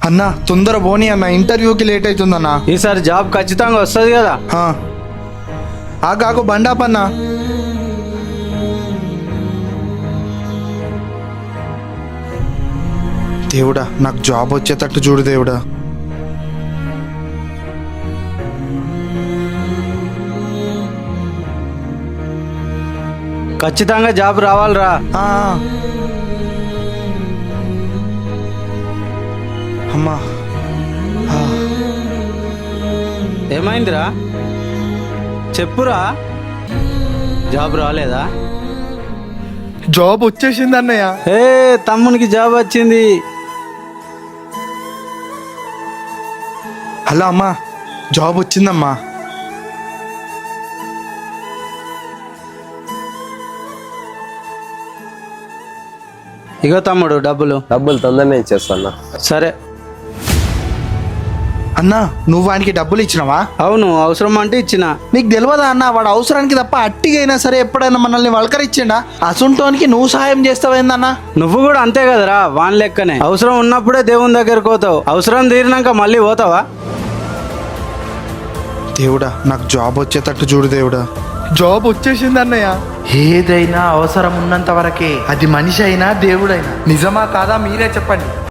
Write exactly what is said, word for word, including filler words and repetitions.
అన్న తొందర పోనీ అన్న, ఇంటర్వ్యూకి లేట్ అవుతుందన్నా. ఈసారి జాబ్ ఖచ్చితంగా వస్తుంది కదా. ఆ కాకు బండాపన్నా. దేవుడా నాకు జాబ్ వచ్చేటట్టు చూడు దేవుడా. ఖచ్చితంగా జాబ్ రావాలిరా. ఆ, అమ్మా. ఆ, ఏమైందిరా చెప్పురా. జాబ్ రాలేదా? జాబ్ వచ్చేసింది అన్నయ్య. ఏ తమ్మునికి జాబ్ వచ్చింది. హలో అమ్మా, జాబ్ వచ్చిందమ్మా. ఇగో తమ్ముడు డబ్బులు. డబ్బులు తొందరనే ఇచ్చేస్తాను. సరే. అన్నా నువ్వు వానికి డబ్బులు ఇచ్చినావా? అవును, అవసరం అంటే ఇచ్చిన. నీకు తెలియదా అన్న, వాడు అవసరానికి తప్ప అట్టిగైనా సరే ఎప్పుడైనా మనల్ని వలకరిచ్చిండా? అసుంటోనికి నువ్వు సహాయం చేస్తావేందన్నా? నువ్వు కూడా అంతే కదరా, వాన్ లెక్కనే. అవసరం ఉన్నప్పుడే దేవుని దగ్గరకు పోతావు, అవసరం తీరినాక మళ్ళీ పోతావా? దేవుడా నాకు జాబ్ వచ్చేటట్టు చూడు దేవుడా. జాబ్ వచ్చేసింది అన్నయ్య. ఏదైనా అవసరం ఉన్నంత వరకే, అది మనిషి అయినా దేవుడైనా. నిజమా కాదా మీరే చెప్పండి.